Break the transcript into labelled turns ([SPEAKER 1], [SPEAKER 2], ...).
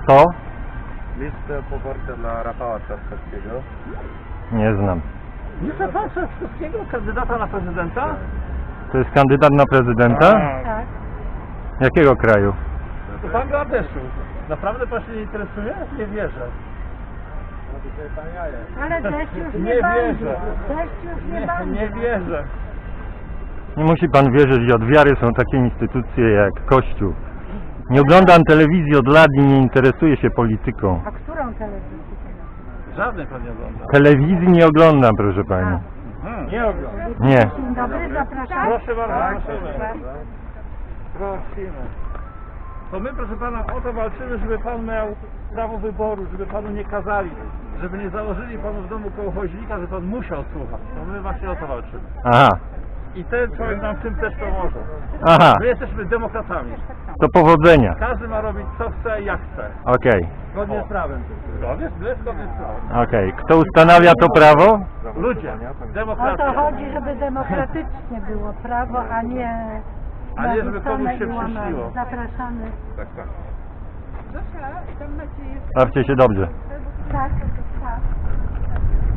[SPEAKER 1] co?
[SPEAKER 2] Listę poparcia dla Rafała Trzaskowskiego.
[SPEAKER 1] Nie znam.
[SPEAKER 3] Lista pan Trzaskowskiego, kandydata na prezydenta?
[SPEAKER 1] To jest kandydat na prezydenta?
[SPEAKER 4] Tak.
[SPEAKER 1] Jakiego kraju?
[SPEAKER 3] To Bangladeszu. Naprawdę pan się nie interesuje? Nie wierzę.
[SPEAKER 4] Ale deszcz już
[SPEAKER 3] Nie
[SPEAKER 4] nie będzie.
[SPEAKER 3] wierzę.
[SPEAKER 4] Deszcz już nie
[SPEAKER 3] Nie
[SPEAKER 4] będzie.
[SPEAKER 3] wierzę.
[SPEAKER 1] Nie musi pan wierzyć, od wiary są takie instytucje jak Kościół. Nie oglądam telewizji od lat i nie interesuję się polityką.
[SPEAKER 4] A którą telewizję teraz?
[SPEAKER 3] Żadnej pan nie ogląda.
[SPEAKER 1] Telewizji nie oglądam, proszę pani.
[SPEAKER 3] Nie ogląda.
[SPEAKER 1] Nie.
[SPEAKER 4] Dzień dobry, zapraszam.
[SPEAKER 3] Proszę bardzo, prosimy. Prosimy. To my, proszę pana, o to walczymy, żeby pan miał prawo wyboru, żeby panu nie kazali, żeby nie założyli panu w domu kołochoźnika, że pan musiał słuchać. To my właśnie o to walczymy.
[SPEAKER 1] Aha.
[SPEAKER 3] I ten człowiek nam w tym też pomoże.
[SPEAKER 1] Aha.
[SPEAKER 3] My jesteśmy demokratami.
[SPEAKER 1] To powodzenia.
[SPEAKER 3] Każdy ma robić co chce i jak chce.
[SPEAKER 1] Okej.
[SPEAKER 3] Zgodnie z prawem. Zgodnie z prawem.
[SPEAKER 1] Okej. Kto ustanawia to prawo?
[SPEAKER 3] Ludzie.
[SPEAKER 4] O to
[SPEAKER 3] Demokracja.
[SPEAKER 4] chodzi, żeby demokratycznie było prawo, a nie
[SPEAKER 3] A nie, żeby komuś
[SPEAKER 4] narzucone
[SPEAKER 3] się
[SPEAKER 4] i łamane.
[SPEAKER 3] przyśniło.
[SPEAKER 4] Zapraszamy.
[SPEAKER 2] Tak, tak.
[SPEAKER 1] Bawcie się dobrze.
[SPEAKER 4] Tak, tak.